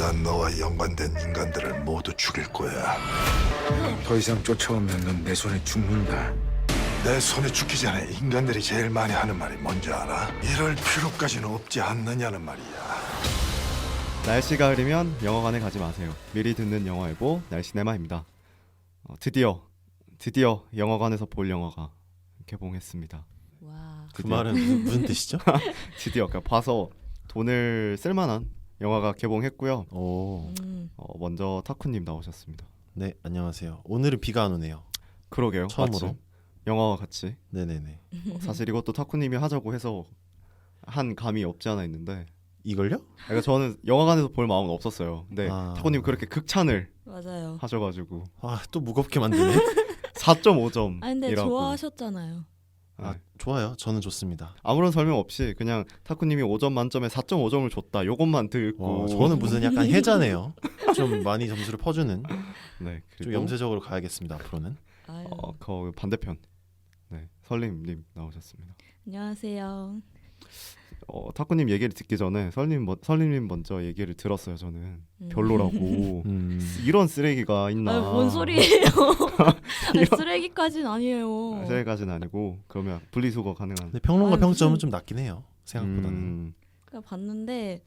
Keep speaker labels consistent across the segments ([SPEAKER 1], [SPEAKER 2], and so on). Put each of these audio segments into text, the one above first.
[SPEAKER 1] 난 너와 연관된 인간들을 모두 죽일 거야.
[SPEAKER 2] 더 이상 쫓아오면 넌 내 손에 죽는다.
[SPEAKER 1] 내 손에 죽기 전에 인간들이 제일 많이 하는 말이 뭔지 알아? 이럴 필요까지는 없지 않느냐는 말이야.
[SPEAKER 3] 날씨가 흐리면 영화관에 가지 마세요. 미리 듣는 영화예보 날씨네마입니다. 드디어 영화관에서 볼 영화가 개봉했습니다.
[SPEAKER 4] 와.
[SPEAKER 5] 그 말은 무슨 뜻이죠?
[SPEAKER 3] 드디어 그러니까 봐서 돈을 쓸만한 영화가 개봉했고요.
[SPEAKER 5] 오,
[SPEAKER 3] 먼저 타쿠님 나오셨습니다.
[SPEAKER 5] 네, 안녕하세요. 오늘은 비가 안 오네요.
[SPEAKER 3] 그러게요.
[SPEAKER 5] 처음으로.
[SPEAKER 3] 마침 영화와 같이.
[SPEAKER 5] 네네네.
[SPEAKER 3] 사실 이것도 타쿠님이 하자고 해서 한 감이 없지 않아 있는데,
[SPEAKER 5] 이걸요?
[SPEAKER 3] 그러니까 저는 영화관에서 볼 마음은 없었어요. 근데 타쿠님 그렇게 극찬을
[SPEAKER 4] 맞아요.
[SPEAKER 3] 하셔가지고
[SPEAKER 5] 아, 또 무겁게 만드네.
[SPEAKER 3] 4.5점이라고.
[SPEAKER 4] 아니 근데 좋아하셨잖아요.
[SPEAKER 5] 아, 좋아요. 저는 좋습니다.
[SPEAKER 3] 아무런 설명 없이 그냥 타쿠님이 5점 만점에 4.5점을 줬다. 요것만 듣고
[SPEAKER 5] 저는 무슨 약간 해자네요. 좀 많이 점수를 퍼주는.
[SPEAKER 3] 네, 그리고
[SPEAKER 5] 좀 염세적으로 가야겠습니다. 앞으로는.
[SPEAKER 4] 아유.
[SPEAKER 3] 그 반대편 네, 설림님 나오셨습니다.
[SPEAKER 4] 안녕하세요.
[SPEAKER 3] 타쿠님 얘기를 듣기 전에 설림님 먼저 얘기를 들었어요. 저는 별로라고. 이런 쓰레기가 있나.
[SPEAKER 4] 아유, 뭔 소리예요? 아니, 쓰레기까지는 아니에요.
[SPEAKER 3] 쓰레기까지는 아니고 그러면 분리수거 가능한.
[SPEAKER 5] 근데 평론가
[SPEAKER 4] 아유,
[SPEAKER 5] 평점은
[SPEAKER 4] 무슨-
[SPEAKER 5] 좀 낮긴 해요. 생각보다는.
[SPEAKER 4] 그러니까 봤는데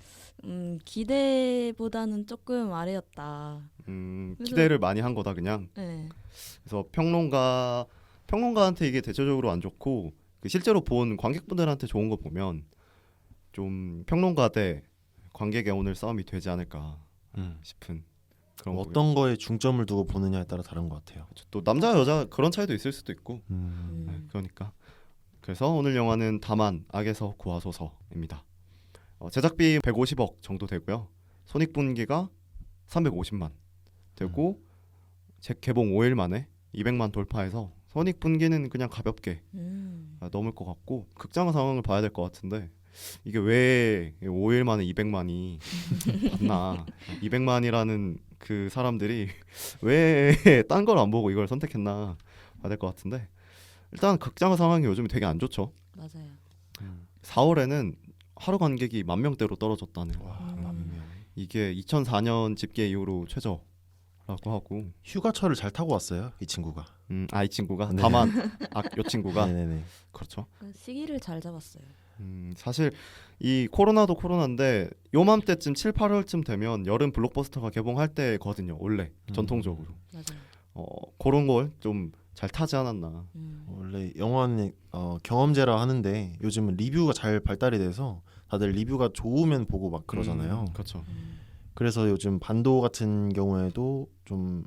[SPEAKER 4] 기대보다는 조금 아래였다.
[SPEAKER 3] 기대를 많이 한 거다 그냥.
[SPEAKER 4] 네.
[SPEAKER 3] 그래서 평론가한테 이게 대체적으로 안 좋고 그 실제로 본 관객분들한테 좋은 거 보면 좀 평론가 대 관객의 오늘 싸움이 되지 않을까 싶은 그런
[SPEAKER 5] 뭐
[SPEAKER 3] 거고요.
[SPEAKER 5] 어떤 거에 중점을 두고 보느냐에 따라 다른 것 같아요.
[SPEAKER 3] 또 남자 여자 그런 차이도 있을 수도 있고 네, 그러니까 그래서 오늘 영화는 다만 악에서 구하소서입니다. 제작비 150억 정도 되고요. 손익분기가 350만 되고 개봉 5일 만에 200만 돌파해서 손익분기는 그냥 가볍게 넘을 것 같고 극장 상황을 봐야 될 것 같은데 이게 왜 5일 만에 200만이 봤나 200만이라는 그 사람들이 왜 딴 걸 안 보고 이걸 선택했나 봐야 될 것 같은데 일단 극장 상황이 요즘 되게 안 좋죠.
[SPEAKER 4] 맞아요.
[SPEAKER 3] 4월에는 하루 관객이 10,000명대로 떨어졌다는
[SPEAKER 5] 와,
[SPEAKER 4] 음.
[SPEAKER 5] 맘이면.
[SPEAKER 3] 이게 2004년 집계 이후로 최저라고 하고
[SPEAKER 5] 휴가철을 잘 타고 왔어요. 이 친구가.
[SPEAKER 3] 이 친구가
[SPEAKER 5] 네.
[SPEAKER 3] 다만 요 친구가
[SPEAKER 5] 네네네.
[SPEAKER 3] 그렇죠.
[SPEAKER 4] 그러니까 시기를 잘 잡았어요.
[SPEAKER 3] 사실 이 코로나도 코로나인데 요맘때쯤 7, 8월쯤 되면 여름 블록버스터가 개봉할 때거든요. 원래 전통적으로
[SPEAKER 4] 맞아요.
[SPEAKER 3] 그런 걸 좀 잘 타지 않았나.
[SPEAKER 5] 원래 영화는 경험제라 하는데 요즘은 리뷰가 잘 발달이 돼서 다들 리뷰가 좋으면 보고 막 그러잖아요.
[SPEAKER 3] 그렇죠.
[SPEAKER 5] 그래서 요즘 반도 같은 경우에도 좀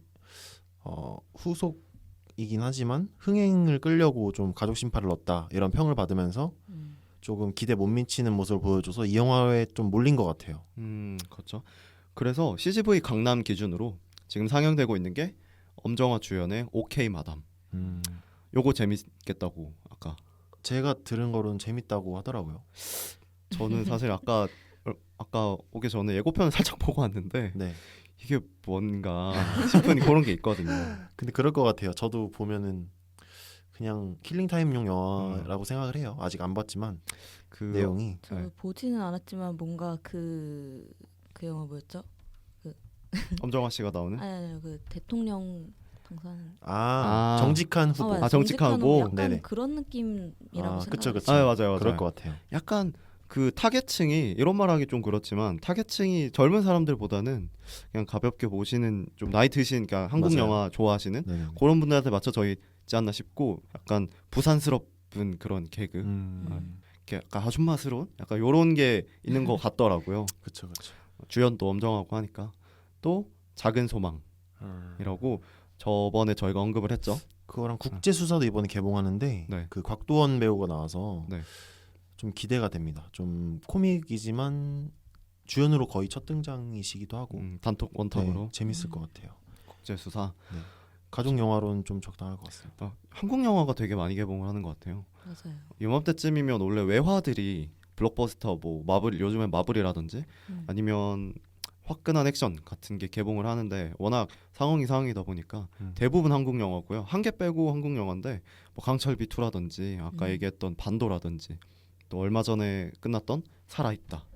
[SPEAKER 5] 후속이긴 하지만 흥행을 끌려고 좀 가족 심파를 넣었다 이런 평을 받으면서 조금 기대 못 미치는 모습을 보여줘서 이 영화에 좀 몰린 것 같아요.
[SPEAKER 3] 그렇죠. 그래서 CGV 강남 기준으로 지금 상영되고 있는 게 엄정화 주연의 오케이 마담. 요거 재밌겠다고 아까
[SPEAKER 5] 제가 들은 거로는 재밌다고 하더라고요.
[SPEAKER 3] 저는 사실 아까 오기 전에 예고편을 살짝 보고 왔는데
[SPEAKER 5] 네.
[SPEAKER 3] 이게 뭔가 싶은 그런 게 있거든요.
[SPEAKER 5] 근데 그럴 것 같아요. 저도 보면은 그냥 킬링타임용 영화라고 생각을 해요. 아직 안 봤지만
[SPEAKER 3] 그
[SPEAKER 5] 내용이
[SPEAKER 4] 저
[SPEAKER 3] 네.
[SPEAKER 4] 보지는 않았지만 뭔가 그 영화 뭐였죠?
[SPEAKER 3] 엄정화 씨가 나오는
[SPEAKER 4] 아니 그 대통령 당선.
[SPEAKER 5] 정직한 후보.
[SPEAKER 4] 맞아요.
[SPEAKER 3] 정직한
[SPEAKER 4] 정직한
[SPEAKER 3] 후보.
[SPEAKER 4] 약간
[SPEAKER 5] 네네.
[SPEAKER 4] 그런 느낌이라고
[SPEAKER 5] 그쵸,
[SPEAKER 4] 생각해요.
[SPEAKER 5] 그쵸.
[SPEAKER 3] 맞아요.
[SPEAKER 5] 그럴 것 같아요.
[SPEAKER 3] 약간 그 타겟층이 이런 말하기 좀 그렇지만 타겟층이 젊은 사람들보다는 그냥 가볍게 보시는 좀 나이 드신 그러니까 한국
[SPEAKER 5] 맞아요.
[SPEAKER 3] 영화 좋아하시는
[SPEAKER 5] 네네.
[SPEAKER 3] 그런 분들한테 맞춰져 있지 않나 싶고 약간 부산스럽은 그런 개그 이렇게 약간 아줌마스러운 약간 요런 게 있는 것 같더라고요.
[SPEAKER 5] 그렇죠, 그렇죠.
[SPEAKER 3] 주연도 엄정하고 하니까 또 작은 소망이라고 저번에 저희가 언급을 했죠.
[SPEAKER 5] 그거랑 국제 수사도 이번에 개봉하는데
[SPEAKER 3] 네.
[SPEAKER 5] 그 곽도원 배우가 나와서
[SPEAKER 3] 네.
[SPEAKER 5] 좀 기대가 됩니다. 좀 코믹이지만 주연으로 거의 첫 등장이시기도 하고
[SPEAKER 3] 단톡 원탑으로
[SPEAKER 5] 네, 재밌을 것 같아요.
[SPEAKER 3] 국제 수사.
[SPEAKER 5] 가족 영화로는 좀 적당할 것 같습니다.
[SPEAKER 3] 한국 영화가 되게 많이 개봉을 하는 것 같아요.
[SPEAKER 4] 맞아요.
[SPEAKER 3] 이맘때쯤이면 원래 외화들이 블록버스터 뭐 마블 요즘에 마블이라든지 아니면 화끈한 액션 같은 게 개봉을 하는데 워낙 상황이다 보니까 대부분 한국 영화고요. 한 개 빼고 한국 영화인데 뭐 강철비 2라든지 아까 얘기했던 반도라든지 또 얼마 전에 끝났던 살아있다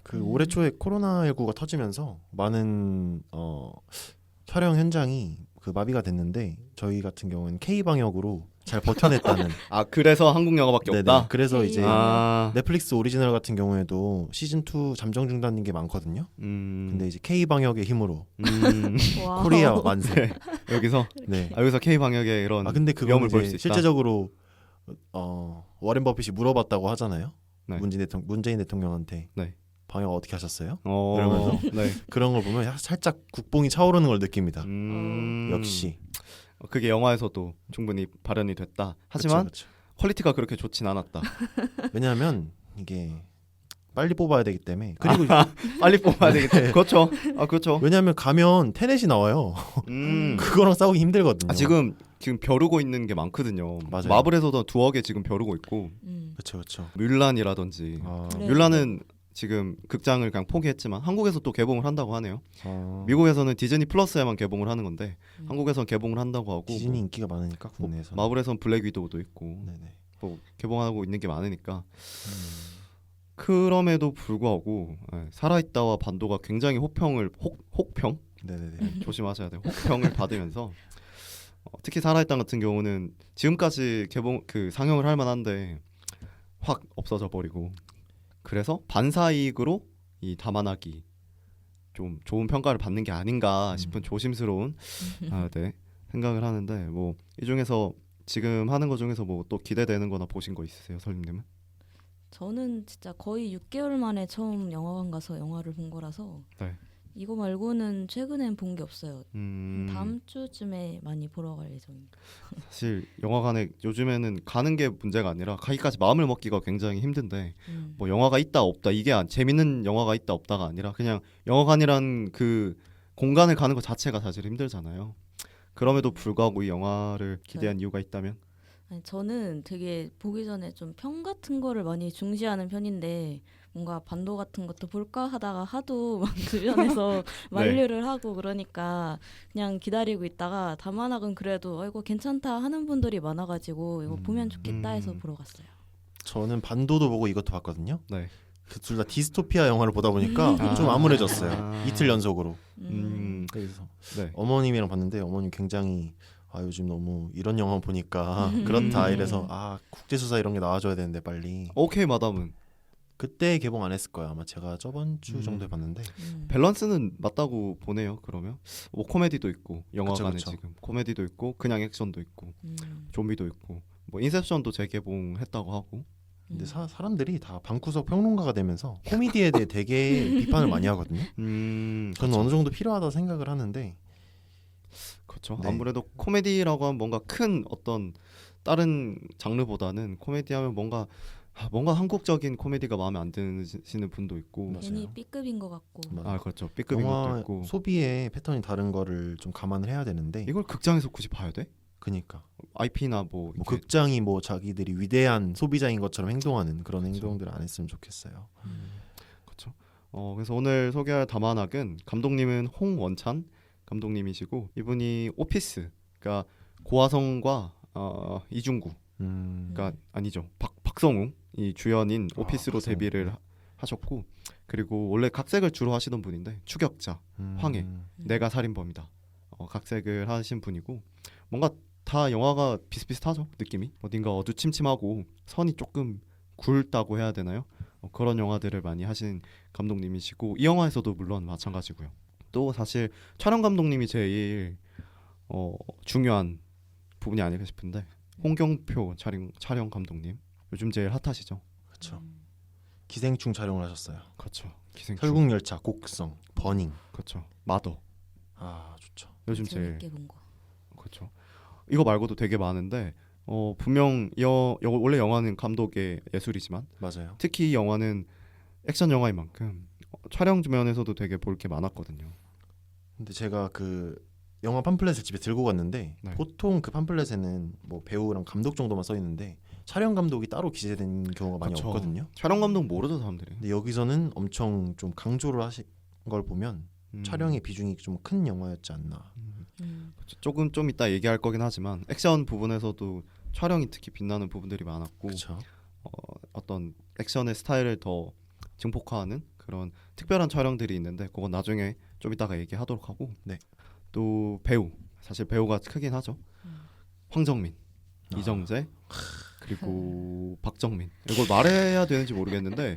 [SPEAKER 5] 그 올해 초에 코로나19가 터지면서 많은 촬영 현장이 그 마비가 됐는데 저희 같은 경우는 K 방역으로 잘 버텨냈다는.
[SPEAKER 3] 아 그래서 한국 영화밖에
[SPEAKER 5] 네네.
[SPEAKER 3] 없다.
[SPEAKER 5] 그래서 이제
[SPEAKER 3] 아,
[SPEAKER 5] 넷플릭스 오리지널 같은 경우에도 시즌 2 잠정 중단인 게 많거든요. 근데 이제 K 방역의 힘으로
[SPEAKER 4] 와우.
[SPEAKER 5] 코리아 만세.
[SPEAKER 3] 네. 여기서
[SPEAKER 5] 네.
[SPEAKER 3] 여기서 K 방역의 이런
[SPEAKER 5] 근데 그건
[SPEAKER 3] 위험을 볼 수
[SPEAKER 5] 이제
[SPEAKER 3] 있다.
[SPEAKER 5] 실제적으로 워렌 버핏이 물어봤다고 하잖아요.
[SPEAKER 3] 네.
[SPEAKER 5] 문재인 대통령한테
[SPEAKER 3] 네.
[SPEAKER 5] 방역 어떻게 하셨어요?
[SPEAKER 3] 그러면서 네.
[SPEAKER 5] 그런 걸 보면 살짝 국뽕이 차오르는 걸 느낍니다. 역시.
[SPEAKER 3] 그게 영화에서도 충분히 발현이 됐다. 하지만
[SPEAKER 5] 그쵸.
[SPEAKER 3] 퀄리티가 그렇게 좋진 않았다.
[SPEAKER 5] 왜냐하면 이게 빨리 뽑아야 되기 때문에. 그리고
[SPEAKER 3] 빨리 뽑아야 되겠다.
[SPEAKER 5] 네.
[SPEAKER 3] 그렇죠. 아 그렇죠.
[SPEAKER 5] 왜냐하면 가면 테넷이 나와요. 그거랑 싸우기 힘들거든요.
[SPEAKER 3] 지금 벼르고 있는 게 많거든요.
[SPEAKER 5] 맞아요.
[SPEAKER 3] 마블에서도 두어 개 지금 벼르고 있고
[SPEAKER 5] 그렇죠.
[SPEAKER 3] 뮬란이라든지
[SPEAKER 4] 네.
[SPEAKER 3] 뮬란은 지금 극장을 그냥 포기했지만 한국에서 또 개봉을 한다고 하네요.
[SPEAKER 5] 아,
[SPEAKER 3] 미국에서는 디즈니 플러스에만 개봉을 하는 건데 한국에서는 개봉을 한다고 하고
[SPEAKER 5] 디즈니 인기가 많으니까 국내에서.
[SPEAKER 3] 마블에서는 블랙 위도우도 있고
[SPEAKER 5] 네네.
[SPEAKER 3] 뭐 개봉하고 있는 게 많으니까 그럼에도 불구하고 살아있다와 반도가 굉장히 혹평
[SPEAKER 5] 네네네.
[SPEAKER 3] 조심하셔야 돼요. 혹평을 받으면서 특히 살아있다 같은 경우는 지금까지 상영을 할 만한데 확 없어져 버리고 그래서 반사이익으로 이 다만하기 좀 좋은 평가를 받는 게 아닌가 싶은 조심스러운 생각을 하는데 뭐 이 중에서 지금 하는 거 중에서 뭐 또 기대되는 거나 보신 거 있으세요, 설님님은?
[SPEAKER 4] 저는 진짜 거의 6개월 만에 처음 영화관 가서 영화를 본 거라서
[SPEAKER 3] 네.
[SPEAKER 4] 이거 말고는 최근엔 본 게 없어요.
[SPEAKER 3] 음,
[SPEAKER 4] 다음 주쯤에 많이 보러 갈 예정입니다.
[SPEAKER 3] 사실 영화관에 요즘에는 가는 게 문제가 아니라 가기까지 마음을 먹기가 굉장히 힘든데 뭐 영화가 있다 없다 이게 재밌는 영화가 있다 없다가 아니라 그냥 영화관이란 그 공간을 가는 것 자체가 사실 힘들잖아요. 그럼에도 불구하고 이 영화를 기대한 이유가 있다면?
[SPEAKER 4] 아니, 저는 되게 보기 전에 좀 평 같은 거를 많이 중시하는 편인데 뭔가 반도 같은 것도 볼까 하다가 하도 막 주변에서 만류를 하고 그러니까 그냥 기다리고 있다가 다만학은 그래도 이거 괜찮다 하는 분들이 많아가지고 이거 보면 좋겠다 해서 보러 갔어요.
[SPEAKER 5] 저는 반도도 보고 이것도 봤거든요.
[SPEAKER 3] 네.
[SPEAKER 5] 둘 다 디스토피아 영화를 보다 보니까 좀 암울해졌어요. 이틀 연속으로. 그래서
[SPEAKER 3] 네.
[SPEAKER 5] 어머님이랑 봤는데 어머님 굉장히 요즘 너무 이런 영화 보니까 그렇다 이래서 국제수사 이런 게 나와줘야 되는데 빨리.
[SPEAKER 3] 오케이 마담은
[SPEAKER 5] 그때 개봉 안 했을 거예요. 아마 제가 저번 주 정도에 봤는데.
[SPEAKER 3] 밸런스는 맞다고 보네요. 그러면 뭐 코미디도 있고 영화관에
[SPEAKER 5] 그쵸.
[SPEAKER 3] 지금 코미디도 있고 그냥 액션도 있고 좀비도 있고 뭐 인셉션도 재개봉했다고 하고
[SPEAKER 5] 근데 사람들이 다 방구석 평론가가 되면서 코미디에 대해 되게 비판을 많이 하거든요. 그건 어느 정도 필요하다 생각을 하는데.
[SPEAKER 3] 그렇죠.
[SPEAKER 5] 네.
[SPEAKER 3] 아무래도 코미디라고 하면 뭔가 큰 어떤 다른 장르보다는 코미디하면 뭔가 한국적인 코미디가 마음에 안 드시는 분도 있고
[SPEAKER 5] 맞아요.
[SPEAKER 4] 괜히 B급인 것 같고.
[SPEAKER 5] 맞아요.
[SPEAKER 3] 그렇죠. B급인 것도
[SPEAKER 5] 영화
[SPEAKER 3] 있고
[SPEAKER 5] 소비의 패턴이 다른 거를 좀 감안을 해야 되는데.
[SPEAKER 3] 이걸 극장에서 굳이 봐야 돼?
[SPEAKER 5] 그니까
[SPEAKER 3] IP나 뭐 이렇게
[SPEAKER 5] 극장이 뭐 자기들이 위대한 소비자인 것처럼 행동하는 그런 행동들을 안 했으면 좋겠어요.
[SPEAKER 3] 그렇죠. 그래서 오늘 소개할 다만학은 감독님은 홍원찬 감독님이시고 이분이 오피스 그러니까 고화성과 이중구 그러니까 아니죠 박성웅 이 주연인 오피스로
[SPEAKER 5] 박성웅.
[SPEAKER 3] 데뷔를 하셨고 그리고 원래 각색을 주로 하시던 분인데 추격자 황해 내가 살인범이다 각색을 하신 분이고 뭔가 다 영화가 비슷비슷하죠 느낌이 어딘가 어두침침하고 선이 조금 굵다고 해야 되나요 그런 영화들을 많이 하신 감독님이시고 이 영화에서도 물론 마찬가지고요 또 사실 촬영 감독님이 제일 중요한 부분이 아닐까 싶은데 홍경표 촬영 감독님 요즘 제일 핫하시죠
[SPEAKER 5] 그렇죠. 기생충 촬영을 하셨어요.
[SPEAKER 3] 그렇죠 기생충
[SPEAKER 5] 설국열차, 곡성, 버닝.
[SPEAKER 3] 그렇죠 마더
[SPEAKER 5] 좋죠.
[SPEAKER 3] 요즘 제일
[SPEAKER 4] 재밌게 본 거.
[SPEAKER 3] 그렇죠 이거 말고도 되게 많은데 분명 원래 영화는 감독의 예술이지만
[SPEAKER 5] 맞아요.
[SPEAKER 3] 특히 이 영화는 액션 영화인 만큼 촬영 면에서도 되게 볼 게 많았거든요.
[SPEAKER 5] 근데 제가 그 영화 팜플렛을 집에 들고 갔는데
[SPEAKER 3] 네.
[SPEAKER 5] 보통 그 팜플렛에는 뭐 배우랑 감독 정도만 써 있는데 촬영 감독이 따로 기재된 경우가 많이
[SPEAKER 3] 그쵸.
[SPEAKER 5] 없거든요.
[SPEAKER 3] 촬영 감독 모르죠 사람들이.
[SPEAKER 5] 근데 여기서는 엄청 좀 강조를 하신 걸 보면 촬영의 비중이 좀 큰 영화였지 않나.
[SPEAKER 3] 조금 좀 이따 얘기할 거긴 하지만 액션 부분에서도 촬영이 특히 빛나는 부분들이 많았고
[SPEAKER 5] 그렇죠.
[SPEAKER 3] 어떤 액션의 스타일을 더 증폭화하는 그런 특별한 촬영들이 있는데 그건 나중에 좀 이따가 얘기하도록 하고
[SPEAKER 5] 네.
[SPEAKER 3] 또 배우 사실 배우가 크긴 하죠. 황정민, 이정재 그리고 박정민 이걸 말해야 되는지 모르겠는데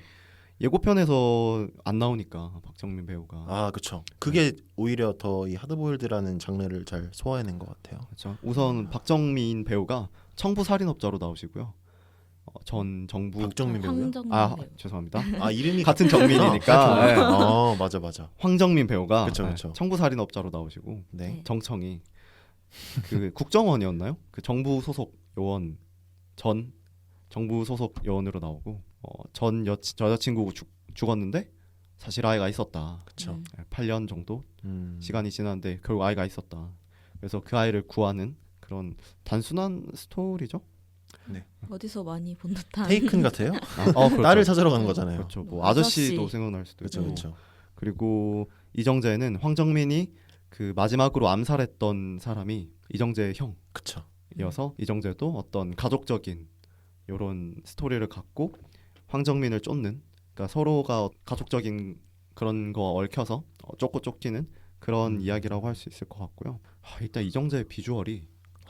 [SPEAKER 3] 예고편에서 안 나오니까 박정민 배우가
[SPEAKER 5] 아 그렇죠. 그게 오히려 더 이 하드보일드라는 장르를 잘 소화해낸 것 같아요.
[SPEAKER 3] 그렇죠. 우선 박정민 배우가 청부 살인업자로 나오시고요. 전 정부
[SPEAKER 5] 박정민 배우요?
[SPEAKER 4] 황정민
[SPEAKER 3] 아
[SPEAKER 4] 배우.
[SPEAKER 3] 죄송합니다.
[SPEAKER 5] 아 이름이
[SPEAKER 3] 같은 정민이니까 네.
[SPEAKER 5] 맞아.
[SPEAKER 3] 황정민 배우가
[SPEAKER 5] 그쵸,
[SPEAKER 3] 네,
[SPEAKER 5] 그쵸.
[SPEAKER 3] 청부 살인업자로 나오시고
[SPEAKER 5] 네.
[SPEAKER 3] 정청이 그 국정원이었나요? 그 정부 소속 요원 전 정부 소속 요원으로 나오고 전 여자친구 죽었는데 사실 아이가 있었다.
[SPEAKER 5] 그렇죠.
[SPEAKER 3] 8년 정도 시간이 지났는데 결국 아이가 있었다. 그래서 그 아이를 구하는 그런 단순한 스토리죠.
[SPEAKER 4] 어디서 많이 본 듯한.
[SPEAKER 5] 테이큰 같아요?
[SPEAKER 3] 그렇죠.
[SPEAKER 5] 딸을 찾으러 가는 거잖아요.
[SPEAKER 3] 그렇죠. 뭐
[SPEAKER 4] 아저씨.
[SPEAKER 3] 아저씨도 생각날 수도
[SPEAKER 5] 그렇죠,
[SPEAKER 3] 있고.
[SPEAKER 5] 그렇죠.
[SPEAKER 3] 그리고 이정재는 황정민이 그 마지막으로 암살했던 사람이 이정재의
[SPEAKER 5] 그렇죠.
[SPEAKER 3] 형이어서 이정재도 어떤 가족적인 이런 스토리를 갖고 황정민을 쫓는 그러니까 서로가 가족적인 그런 거 얽혀서 쫓고 쫓기는 그런 이야기라고 할 수 있을 것 같고요. 일단 이정재의 비주얼이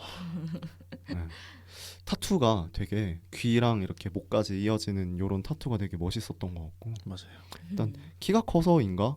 [SPEAKER 3] 네. 타투가 되게 귀랑 이렇게 목까지 이어지는 이런 타투가 되게 멋있었던 것 같고
[SPEAKER 5] 맞아요.
[SPEAKER 3] 일단 키가 커서인가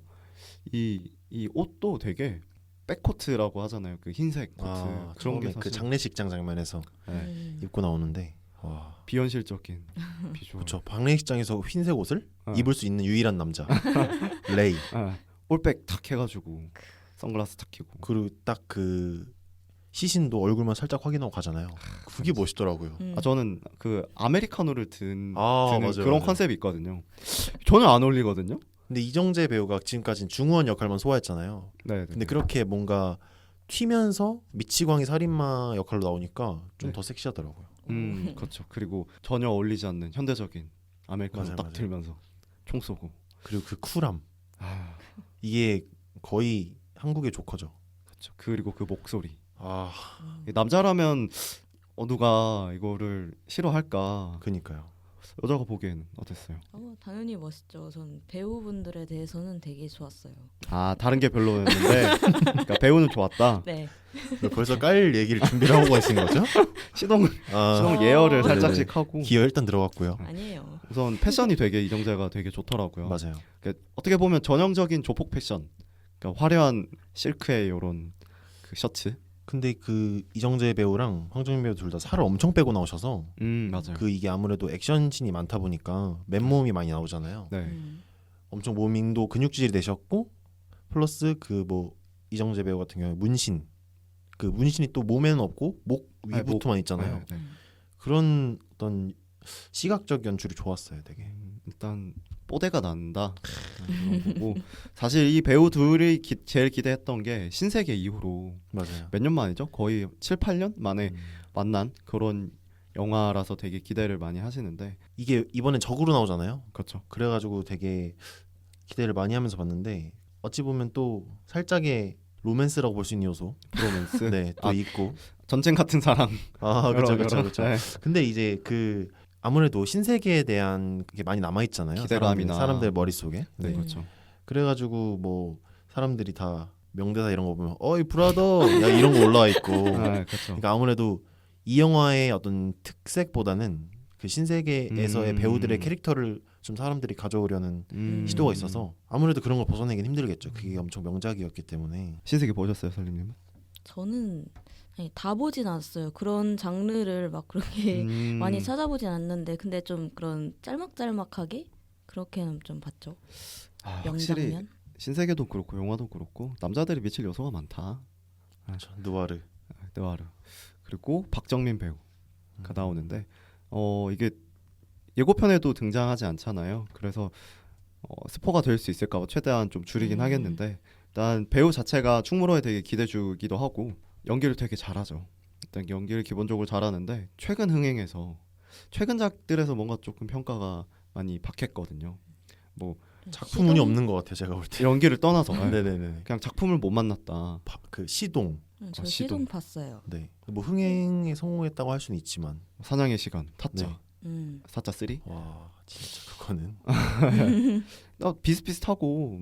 [SPEAKER 3] 이 옷도 되게 백코트라고 하잖아요. 그 흰색 코트 그런 게
[SPEAKER 5] 처음에 그
[SPEAKER 3] 사실
[SPEAKER 5] 장례식장 장면에서
[SPEAKER 3] 네.
[SPEAKER 5] 입고 나오는데 와.
[SPEAKER 3] 비현실적인 비주얼.
[SPEAKER 5] 그렇죠. 장례식장에서 흰색 옷을
[SPEAKER 3] 어.
[SPEAKER 5] 입을 수 있는 유일한 남자 레이.
[SPEAKER 3] 올백 탁 해가지고 선글라스 탁 끼고
[SPEAKER 5] 그리고 딱 그 시신도 얼굴만 살짝 확인하고 가잖아요. 그게 멋있더라고요.
[SPEAKER 3] 저는 그 아메리카노를 드는
[SPEAKER 5] 맞아요,
[SPEAKER 3] 그런
[SPEAKER 5] 맞아요.
[SPEAKER 3] 컨셉이 있거든요. 전혀 안 어울리거든요.
[SPEAKER 5] 근데 이정재 배우가 지금까지는 중후한 역할만 소화했잖아요.
[SPEAKER 3] 네.
[SPEAKER 5] 근데 그렇게 뭔가 튀면서 미치광이 살인마 역할로 나오니까 좀
[SPEAKER 3] 네.
[SPEAKER 5] 더 섹시하더라고요.
[SPEAKER 3] 그렇죠. 그리고 전혀 어울리지 않는 현대적인 아메리카노
[SPEAKER 5] 맞아요,
[SPEAKER 3] 딱
[SPEAKER 5] 맞아요.
[SPEAKER 3] 들면서 총 쏘고.
[SPEAKER 5] 그리고 그 쿨함
[SPEAKER 3] 아,
[SPEAKER 5] 이게 거의 한국의 조커죠.
[SPEAKER 3] 그렇죠. 그리고 그 목소리.
[SPEAKER 5] 아
[SPEAKER 3] 남자라면 누가 이거를 싫어할까?
[SPEAKER 5] 그니까요.
[SPEAKER 3] 여자가 보기에는 어땠어요?
[SPEAKER 4] 당연히 멋있죠. 전 배우분들에 대해서는 되게 좋았어요.
[SPEAKER 3] 다른 게 별로였는데 그러니까 배우는 좋았다.
[SPEAKER 4] 네.
[SPEAKER 5] 벌써 깔 얘기를 준비를 하고 계신 거죠?
[SPEAKER 3] 시동
[SPEAKER 5] 아,
[SPEAKER 3] 예열을
[SPEAKER 5] 네네.
[SPEAKER 3] 살짝씩 하고
[SPEAKER 5] 기어 일단 들어갔고요.
[SPEAKER 4] 아니에요.
[SPEAKER 3] 우선 패션이 되게 이정재가 되게 좋더라고요.
[SPEAKER 5] 맞아요.
[SPEAKER 3] 그러니까 어떻게 보면 전형적인 조폭 패션. 그러니까 화려한 실크의 이런 그 셔츠.
[SPEAKER 5] 근데 그 이정재 배우랑 황정민 배우 둘 다 살을 엄청 빼고 나오셔서
[SPEAKER 3] 맞아요.
[SPEAKER 5] 그 이게 아무래도 액션씬이 많다 보니까 맨몸이 많이 나오잖아요.
[SPEAKER 3] 네.
[SPEAKER 5] 엄청 몸도 근육질이 되셨고 플러스 그 뭐 이정재 배우 같은 경우에 문신 그 문신이 또 몸에는 없고 목 위부터만 있잖아요.
[SPEAKER 3] 네.
[SPEAKER 5] 그런 어떤 시각적 연출이 좋았어요, 되게.
[SPEAKER 3] 일단 뽀대가 난다. 그런 거고 사실 이 배우 둘이 제일 기대했던 게 신세계 이후로
[SPEAKER 5] 맞아요.
[SPEAKER 3] 몇 년 만이죠? 거의 7, 8년 만에 만난 그런 영화라서 되게 기대를 많이 하시는데
[SPEAKER 5] 이게 이번엔 적으로 나오잖아요.
[SPEAKER 3] 그렇죠.
[SPEAKER 5] 그래가지고 되게 기대를 많이 하면서 봤는데 어찌 보면 또 살짝의 로맨스라고 볼 수 있는 요소,
[SPEAKER 3] 브로맨스.
[SPEAKER 5] 네, 또 있고.
[SPEAKER 3] 전쟁 같은 사랑.
[SPEAKER 5] 그렇죠, 그렇죠, 그렇죠.
[SPEAKER 3] 네.
[SPEAKER 5] 근데 이제 그 아무래도 신세계에 대한 그게 많이 남아 있잖아요.
[SPEAKER 3] 기대감이나.
[SPEAKER 5] 사람들 머릿속에.
[SPEAKER 3] 네, 그렇죠.
[SPEAKER 5] 그래가지고 뭐 사람들이 다 명대사 이런 거 보면 어이 브라더 야 이런 거 올라와 있고.
[SPEAKER 3] 네, 그렇죠.
[SPEAKER 5] 그러니까 아무래도 이 영화의 어떤 특색보다는 그 신세계에서의 배우들의 캐릭터를 좀 사람들이 가져오려는 시도가 있어서 아무래도 그런 걸 벗어내긴 힘들겠죠. 그게 엄청 명작이었기 때문에.
[SPEAKER 3] 신세계 보셨어요, 설림님은?
[SPEAKER 4] 저는 다 보진 않았어요. 그런 장르를 막 그렇게 많이 찾아보진 않는데 근데 좀 그런 짤막짤막하게 그렇게는 좀 봤죠.
[SPEAKER 3] 확실히
[SPEAKER 4] 명장면.
[SPEAKER 3] 신세계도 그렇고 영화도 그렇고 남자들이 미칠 요소가 많다.
[SPEAKER 5] 그렇죠. 누아르.
[SPEAKER 3] 느와르. 그리고 박정민 배우가 나오는데 이게 예고편에도 등장하지 않잖아요. 그래서 스포가 될 수 있을까 봐 최대한 좀 줄이긴 하겠는데 일단 배우 자체가 충무로에 되게 기대주기도 하고 연기를 되게 잘하죠. 일단 연기를 기본적으로 잘하는데 최근 흥행에서 최근작들에서 뭔가 조금 평가가 많이 박했거든요. 뭐
[SPEAKER 5] 작품운이 없는 것 같아요. 제가 볼 때.
[SPEAKER 3] 연기를 떠나서
[SPEAKER 5] 네네네.
[SPEAKER 3] 그냥 작품을 못 만났다.
[SPEAKER 5] 그 시동.
[SPEAKER 4] 저
[SPEAKER 3] 시동.
[SPEAKER 4] 시동 봤어요.
[SPEAKER 5] 네. 뭐 흥행에 성공했다고 할 수는 있지만
[SPEAKER 3] 사냥의 시간, 타짜.
[SPEAKER 5] 네.
[SPEAKER 3] 사자 3.
[SPEAKER 5] 와 진짜 그거는
[SPEAKER 3] 비슷비슷하고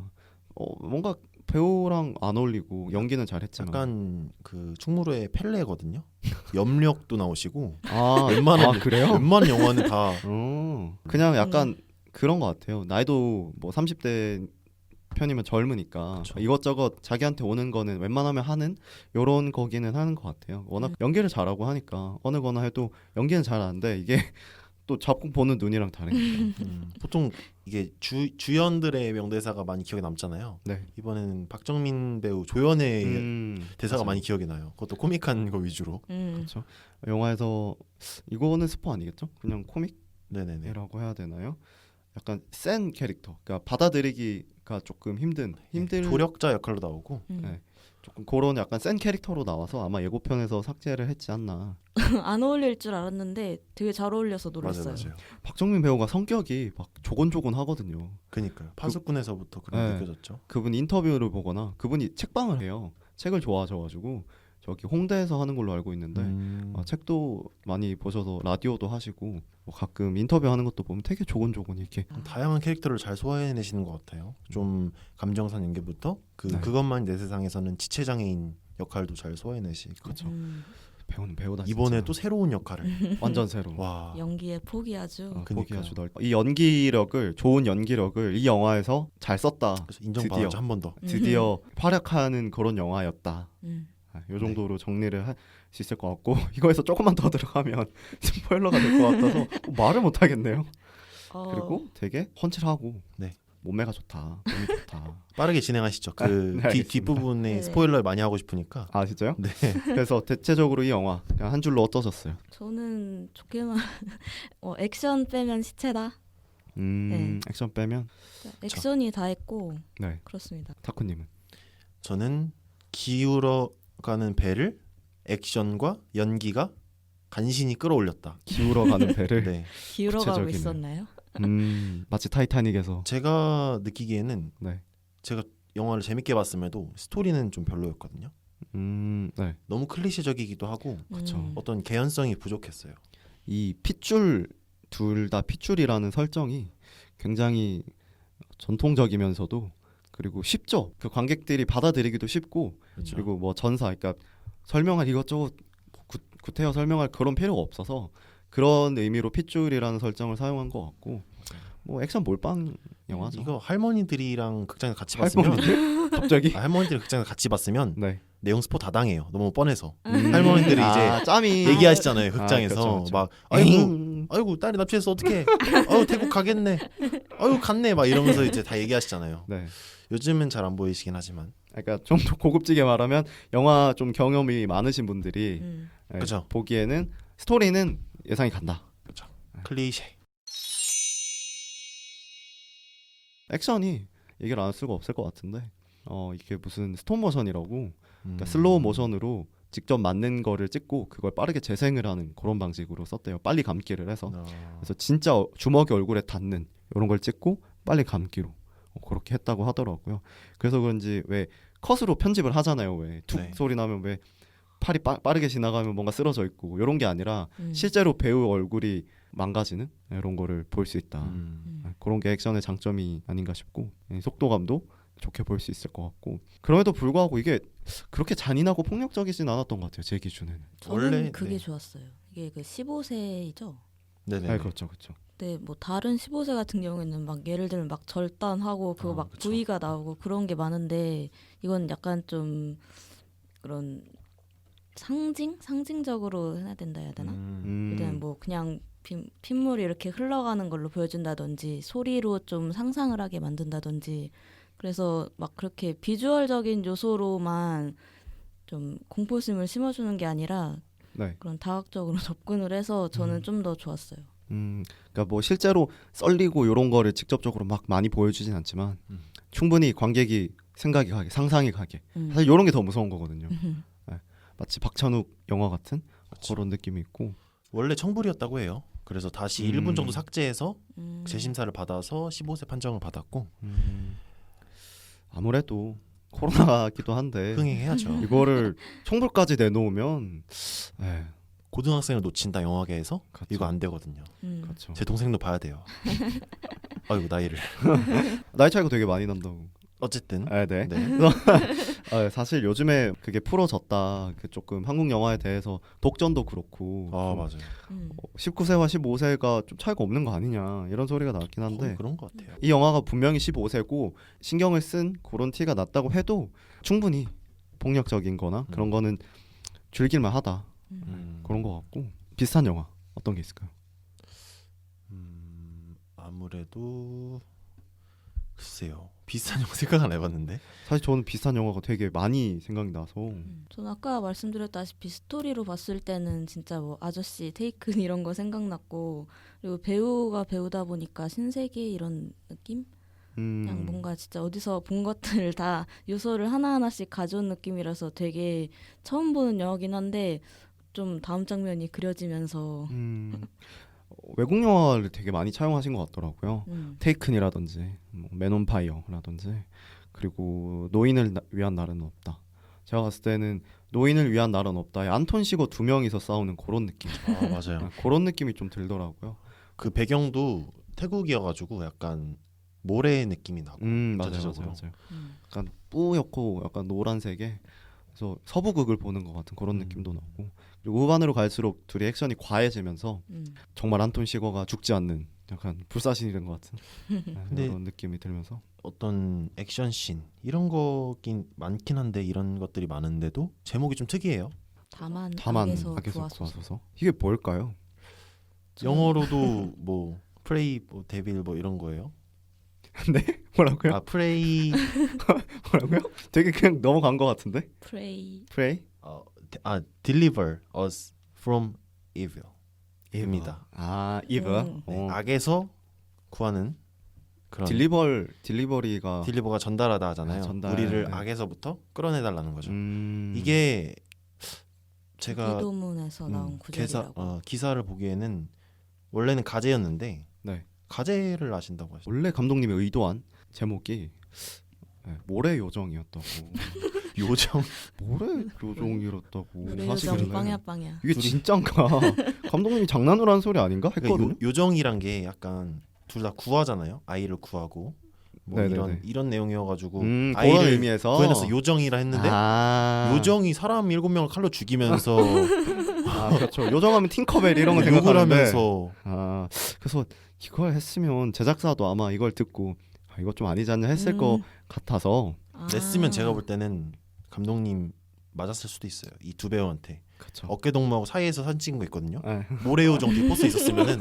[SPEAKER 3] 뭔가 배우랑 안 어울리고 연기는 잘했지만
[SPEAKER 5] 약간 그 충무로의 펠레거든요. 염력도 나오시고
[SPEAKER 3] 웬만한 그래요?
[SPEAKER 5] 웬만한 영화는 다
[SPEAKER 3] 그냥 약간 그런 것 같아요. 나이도 뭐 30대 편이면 젊으니까
[SPEAKER 5] 그쵸.
[SPEAKER 3] 이것저것 자기한테 오는 거는 웬만하면 하는 요런 거기는 하는 것 같아요. 워낙 연기를 잘하고 하니까 어느 거나 해도 연기는 잘하는데 이게 또 작품 보는 눈이랑 다르니까.
[SPEAKER 5] 보통 이게 주연들의 명대사가 많이 기억에 남잖아요.
[SPEAKER 3] 네.
[SPEAKER 5] 이번에는 박정민 배우 조연의 대사가
[SPEAKER 3] 맞아요.
[SPEAKER 5] 많이 기억이 나요. 그것도 코믹한 거 위주로.
[SPEAKER 3] 그렇죠. 영화에서 이거는 스포 아니겠죠? 그냥
[SPEAKER 5] 네네네.
[SPEAKER 3] 코믹이라고 해야 되나요? 약간 센 캐릭터. 그러니까 받아들이기가 조금 힘든
[SPEAKER 5] 조력자 역할로 나오고.
[SPEAKER 3] 네. 조금 그런 약간 센 캐릭터로 나와서 아마 예고편에서 삭제를 했지 않나.
[SPEAKER 4] 안 어울릴 줄 알았는데 되게 잘 어울려서 놀랐어요.
[SPEAKER 5] 맞아요.
[SPEAKER 3] 박정민 배우가 성격이 막 조곤조곤하거든요.
[SPEAKER 5] 그니까요. 파수꾼에서부터 그런
[SPEAKER 3] 네.
[SPEAKER 5] 느껴졌죠.
[SPEAKER 3] 그분 인터뷰를 보거나 그분이 책방을 해요. 책을 좋아하셔가지고 저기 홍대에서 하는 걸로 알고 있는데 책도 많이 보셔서 라디오도 하시고 뭐 가끔 인터뷰하는 것도 보면 되게 조곤조곤 이렇게
[SPEAKER 5] 다양한 캐릭터를 잘 소화해내시는 것 같아요. 좀 감정선 연기부터
[SPEAKER 3] 네.
[SPEAKER 5] 그것만 내 세상에서는 지체장애인 역할도 잘 소화해내시고.
[SPEAKER 3] 그렇죠. 배우는 배우다.
[SPEAKER 5] 이번에
[SPEAKER 3] 진짜.
[SPEAKER 5] 또 새로운 역할을
[SPEAKER 3] 완전 새로.
[SPEAKER 5] 와
[SPEAKER 4] 연기의 폭이 아주
[SPEAKER 3] 폭이
[SPEAKER 5] 그러니까요.
[SPEAKER 3] 아주 넓. 이 좋은 연기력을 이 영화에서 잘 썼다.
[SPEAKER 5] 그래서 인정받았죠.
[SPEAKER 3] 드디어.
[SPEAKER 5] 한 번 더.
[SPEAKER 3] 드디어 활약하는 그런 영화였다.
[SPEAKER 4] 음.
[SPEAKER 3] 이 정도로 정리를 할 수 있을 것 같고 이거에서 조금만 더 들어가면 스포일러가 될 것 같아서 말을 못 하겠네요. 그리고 되게 훤칠하고
[SPEAKER 5] 네.
[SPEAKER 3] 몸매가 좋다, 몸이 좋다.
[SPEAKER 5] 빠르게 진행하시죠. 그
[SPEAKER 3] 네, 알겠습니다.
[SPEAKER 5] 뒷부분에
[SPEAKER 4] 네.
[SPEAKER 5] 스포일러를 많이 하고 싶으니까.
[SPEAKER 3] 아 진짜요?
[SPEAKER 5] 네.
[SPEAKER 3] 그래서 대체적으로 이 영화 그냥 한 줄로 어떠셨어요?
[SPEAKER 4] 저는 좋게만 액션 빼면 시체다. 네.
[SPEAKER 3] 액션 빼면
[SPEAKER 4] 액션이 다 했고
[SPEAKER 3] 네.
[SPEAKER 4] 그렇습니다.
[SPEAKER 3] 타쿠님은
[SPEAKER 5] 저는 기울어가는 배를 액션과 연기가 간신히 끌어올렸다.
[SPEAKER 3] 기울어가는 배를
[SPEAKER 5] 네.
[SPEAKER 4] 기울어가고
[SPEAKER 3] 구체적이네.
[SPEAKER 4] 있었나요?
[SPEAKER 3] 마치 타이타닉에서
[SPEAKER 5] 제가 느끼기에는
[SPEAKER 3] 네.
[SPEAKER 5] 제가 영화를 재밌게 봤음에도 스토리는 좀 별로였거든요.
[SPEAKER 3] 네.
[SPEAKER 5] 너무 클리셰적이기도 하고
[SPEAKER 3] 그쵸.
[SPEAKER 5] 어떤 개연성이 부족했어요.
[SPEAKER 3] 이 핏줄 둘 다 핏줄이라는 설정이 굉장히 전통적이면서도 그리고 쉽죠. 그 관객들이 받아들이기도 쉽고
[SPEAKER 5] 그렇죠.
[SPEAKER 3] 그리고 뭐 전사 그러니까 설명할 이것저것 구태여 설명할 그런 필요가 없어서 그런 의미로 핏줄이라는 설정을 사용한 것 같고 뭐 액션 몰빵 영화죠.
[SPEAKER 5] 이거 할머니들이랑 극장에서 같이 봤으면
[SPEAKER 3] 할머니들? 갑자기?
[SPEAKER 5] 할머니들 극장에서 같이 봤으면
[SPEAKER 3] 네.
[SPEAKER 5] 내용 스포 다 당해요. 너무 뻔해서 할머니들이 이제
[SPEAKER 3] 짬이
[SPEAKER 5] 얘기하시잖아요. 극장에서
[SPEAKER 3] 그렇죠, 그렇죠.
[SPEAKER 5] 막
[SPEAKER 3] 엥.
[SPEAKER 5] 아이고 딸이 납치해서 어떡해. 아유 태국 가겠네. 아유 갔네. 막 이러면서 이제 다 얘기하시잖아요.
[SPEAKER 3] 네.
[SPEAKER 5] 요즘은 잘 안 보이시긴 하지만.
[SPEAKER 3] 그러니까 좀 더 고급지게 말하면 영화 좀 경험이 많으신 분들이 예,
[SPEAKER 5] 그죠.
[SPEAKER 3] 보기에는 스토리는 예상이 간다.
[SPEAKER 5] 클리셰.
[SPEAKER 3] 액션이 얘기를 안 할 수가 없을 것 같은데 이게 무슨 스톱 모션이라고 그러니까 슬로우 모션으로 직접 맞는 거를 찍고 그걸 빠르게 재생을 하는 그런 방식으로 썼대요. 빨리 감기를 해서. 그래서 진짜 주먹이 얼굴에 닿는 이런 걸 찍고 빨리 감기로 그렇게 했다고 하더라고요. 그래서 그런지 왜 컷으로 편집을 하잖아요. 왜 툭
[SPEAKER 5] 네.
[SPEAKER 3] 소리 나면 왜 팔이 빠르게 지나가면 뭔가 쓰러져 있고 이런 게 아니라
[SPEAKER 4] 음.
[SPEAKER 3] 실제로 배우 얼굴이 망가지는 이런 거를 볼 수 있다. 그런 게 액션의 장점이 아닌가 싶고 속도감도 좋게 볼 수 있을 것 같고 그럼에도 불구하고 이게 그렇게 잔인하고 폭력적이진 않았던 것 같아요. 제 기준에는.
[SPEAKER 4] 저는
[SPEAKER 5] 원래,
[SPEAKER 4] 그게
[SPEAKER 5] 네.
[SPEAKER 4] 좋았어요. 이게 그 15세이죠.
[SPEAKER 5] 네네.
[SPEAKER 3] 네, 그렇죠, 그렇죠.
[SPEAKER 4] 근데 뭐 다른 15세 같은 경우에는 막 예를 들면 막 절단하고 그거 막
[SPEAKER 5] 그쵸.
[SPEAKER 4] 부위가 나오고 그런 게 많은데 이건 약간 좀 그런 상징적으로 해야 된다 해야 되나? 일단 뭐 그냥 핏물이 이렇게 흘러가는 걸로 보여준다든지 소리로 좀 상상을 하게 만든다든지 그래서 막 그렇게 비주얼적인 요소로만 좀 공포심을 심어주는 게 아니라
[SPEAKER 3] 네.
[SPEAKER 4] 그런 다각적으로 접근을 해서 저는 좀 더 좋았어요.
[SPEAKER 3] 그러니까 뭐 실제로 썰리고 이런 거를 직접적으로 막 많이 보여주진 않지만 충분히 관객이 생각이 가게, 상상이 가게. 사실 이런 게 더 무서운 거거든요. 네. 마치 박찬욱 영화 같은 그런 느낌이 있고.
[SPEAKER 5] 원래 청불이었다고 해요. 그래서 다시 1분 정도 삭제해서
[SPEAKER 4] 음.
[SPEAKER 5] 재심사를 받아서 15세 판정을 받았고
[SPEAKER 3] 아무래도 코로나기도 한데
[SPEAKER 5] 흥행해야죠.
[SPEAKER 3] 이거를 청불까지 내놓으면
[SPEAKER 5] 고등학생을 놓친다 영화계에서
[SPEAKER 3] 그쵸.
[SPEAKER 5] 이거 안 되거든요.
[SPEAKER 3] 그렇죠.
[SPEAKER 5] 제 동생도 봐야 돼요. 아이고 나이를.
[SPEAKER 3] 나이 차이가 되게 많이 난다고.
[SPEAKER 5] 어쨌든
[SPEAKER 3] 네.
[SPEAKER 5] 네.
[SPEAKER 3] 사실 요즘에 그게 풀어졌다. 그 조금 한국 영화에 대해서 독전도 그렇고
[SPEAKER 5] 아
[SPEAKER 3] 좀
[SPEAKER 5] 맞아요.
[SPEAKER 3] 19세와 15세가 좀 차이가 없는 거 아니냐 이런 소리가 나왔긴 한데
[SPEAKER 5] 거의 그런 것 같아요.
[SPEAKER 3] 이 영화가 분명히 15세고 신경을 쓴 그런 티가 났다고 해도 충분히 폭력적인 거나 그런 거는 즐길만 하다 그런 거 같고 비슷한 영화 어떤 게 있을까요?
[SPEAKER 5] 아무래도 글쎄요. 비슷한 영화 생각 안 해봤는데.
[SPEAKER 3] 사실 저는 비슷한 영화가 되게 많이 생각이 나서
[SPEAKER 4] 저는 아까 말씀드렸다시피 스토리로 봤을 때는 진짜 뭐 아저씨 테이큰 이런 거 생각났고 그리고 배우가 배우다 보니까 신세계 이런 느낌? 그냥 뭔가 진짜 어디서 본 것들 다 요소를 하나하나씩 가져온 느낌이라서 되게 처음 보는 영화긴 한데 좀 다음 장면이 그려지면서
[SPEAKER 3] 외국 영화를 되게 많이 차용하신 것 같더라고요.
[SPEAKER 4] 음.
[SPEAKER 3] 테이큰이라든지 맨온 파이어라든지 그리고 노인을 위한 날은 없다. 제가 봤을 때는 노인을 위한 날은 없다에 안톤 시거 2명이서 싸우는 그런 느낌.
[SPEAKER 5] 아 맞아요.
[SPEAKER 3] 그런 느낌이 좀 들더라고요.
[SPEAKER 5] 그 배경도 태국이어가지고 약간 모래 느낌이 나고.
[SPEAKER 3] 맞아요.
[SPEAKER 5] 전체적으로.
[SPEAKER 3] 약간 뿌옇고 약간 노란색에 그래서 서부극을 보는 것 같은 그런 느낌도 나고 그리고 후반으로 갈수록 둘이 액션이 과해지면서 정말 안톤 시거가 죽지 않는 약간 불사신이 된 것 같은
[SPEAKER 5] 근데
[SPEAKER 3] 그런 느낌이 들면서
[SPEAKER 5] 어떤 액션 씬 이런 거긴 많긴 한데 이런 것들이 많은데도 제목이 좀 특이해요.
[SPEAKER 4] 다만
[SPEAKER 3] 악에서
[SPEAKER 4] 구하소서.
[SPEAKER 3] 구하소서 이게 뭘까요?
[SPEAKER 5] 영어로도 뭐 프레이 뭐 데빌 뭐 이런 거예요.
[SPEAKER 3] 네? 뭐라고요?
[SPEAKER 5] 아 프레이
[SPEAKER 3] 뭐라고요? 되게 그냥 넘어간 것 같은데?
[SPEAKER 4] 프레이.
[SPEAKER 3] Pray?
[SPEAKER 5] deliver us from evil. 입니다.
[SPEAKER 3] 아, evil.
[SPEAKER 5] 네, 악에서 구하는 그런
[SPEAKER 3] 딜리버리가
[SPEAKER 5] 딜리버가 전달하다 하잖아요.
[SPEAKER 3] 전달,
[SPEAKER 5] 우리를
[SPEAKER 3] 네.
[SPEAKER 5] 악에서부터 끌어내달라는 거죠. 이게 제가
[SPEAKER 4] 기도문에서 나온 구절이라고.
[SPEAKER 5] 기사를 보기에는 원래는 가제였는데
[SPEAKER 3] 네.
[SPEAKER 5] 가제를 아신다고 하시죠.
[SPEAKER 3] 원래 감독님이 의도한 제목이 모래 요정이었다고.
[SPEAKER 5] 요정
[SPEAKER 3] 모래 요정이었다고.
[SPEAKER 4] 우리
[SPEAKER 3] 하시길래
[SPEAKER 4] 요정 빵야.
[SPEAKER 3] 이게 진짠가? 감독님이 장난으로 한 소리 아닌가? 했거든요.
[SPEAKER 5] 그러니까 요정이란 게 약간 둘 다 구하잖아요. 아이를 구하고 뭐
[SPEAKER 3] 네네네.
[SPEAKER 5] 이런 내용이어가지고
[SPEAKER 3] 그런
[SPEAKER 5] 아이를
[SPEAKER 3] 의미에서
[SPEAKER 5] 구해내서 요정이라 했는데 요정이 사람 7명을 칼로 죽이면서
[SPEAKER 3] 그렇죠. 요정하면 팅커벨 이런 거
[SPEAKER 5] 욕을
[SPEAKER 3] 생각하는데
[SPEAKER 5] 하면서
[SPEAKER 3] 그래서 이걸 했으면 제작사도 아마 이걸 듣고 이거 좀 아니지 않냐 했을 것 같아서
[SPEAKER 5] 냈으면 제가 볼 때는 감독님 맞았을 수도 있어요. 이 두 배우한테
[SPEAKER 3] 그렇죠.
[SPEAKER 5] 어깨 동무하고 사이에서 사진 찍은 거 있거든요.
[SPEAKER 3] 네.
[SPEAKER 5] 모래요정 뒤에 포스 있었으면은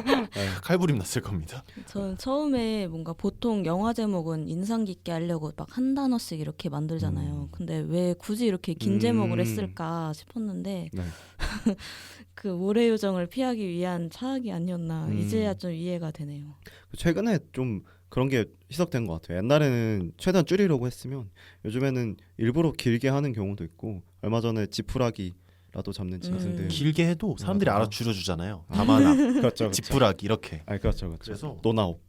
[SPEAKER 5] 칼부림 났을 겁니다.
[SPEAKER 4] 저는 처음에 뭔가 보통 영화 제목은 인상 깊게 하려고 막 한 단어씩 이렇게 만들잖아요. 근데 왜 굳이 이렇게 긴 제목을 했을까 싶었는데
[SPEAKER 3] 네.
[SPEAKER 4] 그 모래 요정을 피하기 위한 차악이 아니었나 이제야 좀 이해가 되네요.
[SPEAKER 3] 최근에 좀 그런 게 희석된 것 같아요. 옛날에는 최대한 줄이려고 했으면 요즘에는 일부러 길게 하는 경우도 있고 얼마 전에 지푸라기라도 잡는 짐승들
[SPEAKER 5] 길게 해도 사람들이
[SPEAKER 3] 맞아요.
[SPEAKER 5] 알아 줄여주잖아요. 다만악,
[SPEAKER 3] 그렇죠.
[SPEAKER 5] 지푸라기 이렇게.
[SPEAKER 3] 그렇죠.
[SPEAKER 5] 그래서
[SPEAKER 3] 노나옵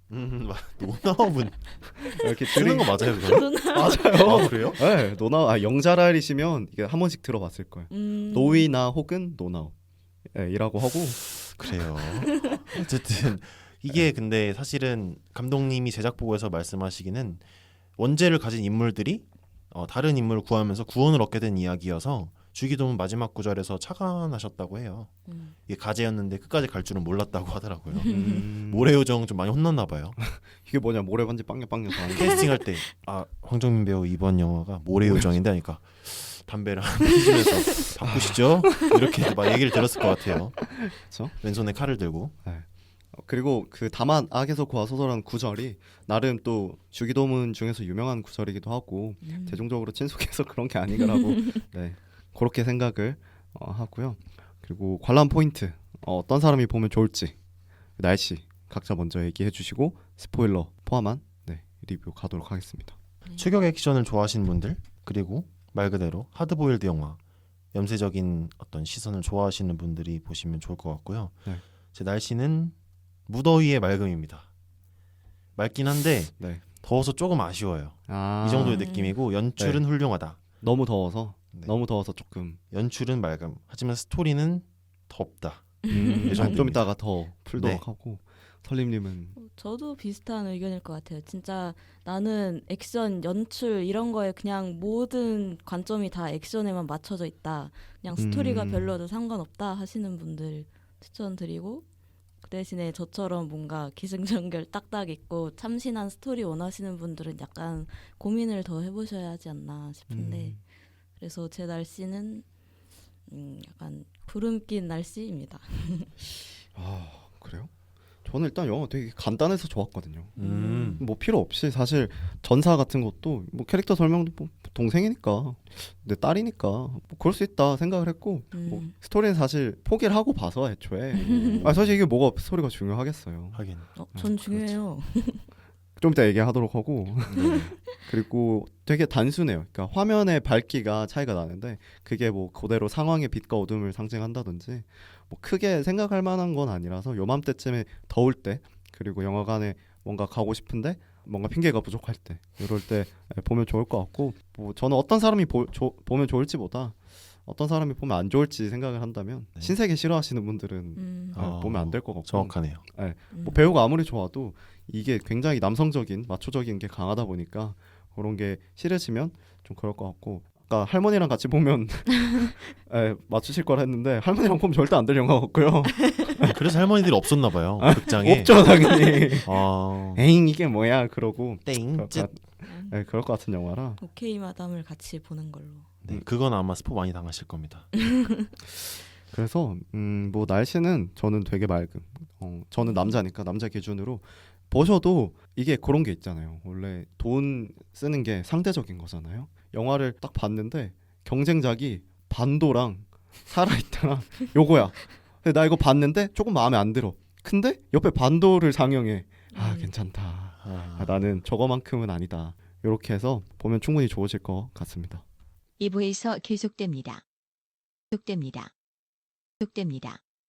[SPEAKER 5] 노나업은
[SPEAKER 3] 이렇게
[SPEAKER 5] 쓰는 거 맞아요, 그거?
[SPEAKER 3] 맞아요.
[SPEAKER 5] 아, 그래요?
[SPEAKER 3] 네, 노나옵 영자랄이시면 이게 한 번씩 들어봤을 거예요. 노이나 혹은 노나옵 이라고 하고
[SPEAKER 5] 그래요. 어쨌든 이게 근데 사실은 감독님이 제작 보고에서 말씀하시기는 원제를 가진 인물들이 다른 인물을 구하면서 구원을 얻게 된 이야기여서 주기도문 마지막 구절에서 차관하셨다고 해요. 이게 가제였는데 끝까지 갈 줄은 몰랐다고 하더라고요. 모래요정 좀 많이 혼났나 봐요.
[SPEAKER 3] 이게 뭐냐 모래반지 빵야빵야
[SPEAKER 5] 캐스팅할 때 황정민 배우 이번 영화가 모래요정인데 하니까 담배를 한 피우면서 바꾸시죠? 이렇게 막 얘기를 들었을 것 같아요.
[SPEAKER 3] 그렇죠?
[SPEAKER 5] 왼손에 칼을 들고.
[SPEAKER 3] 그리고 그 다만 악에서 구하소서라는 구절이 나름 또 주기도문 중에서 유명한 구절이기도 하고 대중적으로 친숙해서 그런 게 아니라고 네, 그렇게 생각을 하고요. 그리고 관람 포인트 어떤 사람이 보면 좋을지 날씨 각자 먼저 얘기해 주시고 스포일러 포함한 리뷰 가도록 하겠습니다.
[SPEAKER 5] 추격 액션을 좋아하시는 분들 그리고 말 그대로 하드보일드 영화 염세적인 어떤 시선을 좋아하시는 분들이 보시면 좋을 것 같고요.
[SPEAKER 3] 네.
[SPEAKER 5] 제 날씨는 무더위의 맑음입니다. 맑긴 한데 더워서 조금 아쉬워요. 이 정도의 느낌이고 연출은 훌륭하다.
[SPEAKER 3] 너무 더워서
[SPEAKER 5] 네.
[SPEAKER 3] 너무 더워서 조금
[SPEAKER 5] 연출은 맑음. 하지만 스토리는 덥다.
[SPEAKER 3] 좀 이따가 더 풀도록
[SPEAKER 5] 네.
[SPEAKER 3] 하고 설림님은
[SPEAKER 4] 저도 비슷한 의견일 것 같아요. 진짜 나는 액션, 연출 이런 거에 그냥 모든 관점이 다 액션에만 맞춰져 있다. 그냥 스토리가 별로도 상관없다 하시는 분들 추천드리고 그 대신에 저처럼 뭔가 기승전결 딱딱 있고 참신한 스토리 원하시는 분들은 약간 고민을 더 해보셔야 하지 않나 싶은데 그래서 제 날씨는 약간 구름 낀 날씨입니다.
[SPEAKER 3] 그래요? 저는 일단 영화 되게 간단해서 좋았거든요.
[SPEAKER 5] 음.
[SPEAKER 3] 뭐 필요 없이 사실 전사 같은 것도 뭐 캐릭터 설명도 뭐 동생이니까 내 딸이니까 뭐 그럴 수 있다 생각을 했고 뭐 스토리는 사실 포기를 하고 봐서 애초에 사실 이게 뭐가 스토리가 중요하겠어요.
[SPEAKER 5] 하긴.
[SPEAKER 4] 전 중요해요.
[SPEAKER 3] 좀 이따 얘기하도록 하고
[SPEAKER 5] 네.
[SPEAKER 3] 그리고 되게 단순해요. 그러니까 화면의 밝기가 차이가 나는데 그게 뭐 그대로 상황의 빛과 어둠을 상징한다든지 뭐 크게 생각할 만한 건 아니라서 요맘때쯤에 더울 때 그리고 영화관에 뭔가 가고 싶은데 뭔가 핑계가 부족할 때 이럴 때 보면 좋을 것 같고 뭐 저는 어떤 사람이 보면 좋을지보다 어떤 사람이 보면 안 좋을지 생각을 한다면
[SPEAKER 5] 네.
[SPEAKER 3] 신세계 싫어하시는 분들은 보면 안 될 것 같고
[SPEAKER 5] 정확하네요.
[SPEAKER 3] 뭐 배우가 아무리 좋아도 이게 굉장히 남성적인 마초적인 게 강하다 보니까 그런 게 싫으시면 좀 그럴 것 같고 아까 할머니랑 같이 보면 맞추실 거라 했는데 할머니랑 보면 절대 안 될 영화 같고요.
[SPEAKER 5] 그래서 할머니들이 없었나 봐요. 극장에.
[SPEAKER 3] 없죠 당연히.
[SPEAKER 5] 아,
[SPEAKER 3] 에잉 이게 뭐야 그러고
[SPEAKER 5] 땡.
[SPEAKER 3] 그럴 것 같은 영화라.
[SPEAKER 4] 오케이 마담을 같이 보는 걸로.
[SPEAKER 5] 네, 그건 아마 스포 많이 당하실 겁니다.
[SPEAKER 3] 그래서 뭐 날씨는 저는 되게 맑음. 저는 남자니까 남자 기준으로 보셔도 이게 그런 게 있잖아요. 원래 돈 쓰는 게 상대적인 거잖아요. 영화를 딱 봤는데 경쟁작이 반도랑 살아있다랑 요거야. 근데 나 이거 봤는데 조금 마음에 안 들어. 근데 옆에 반도를 상영해. 괜찮다. 나는 저거만큼은 아니다. 이렇게 해서 보면 충분히 좋으실 것 같습니다.
[SPEAKER 6] 2부에서 계속됩니다. 계속됩니다. 계속됩니다.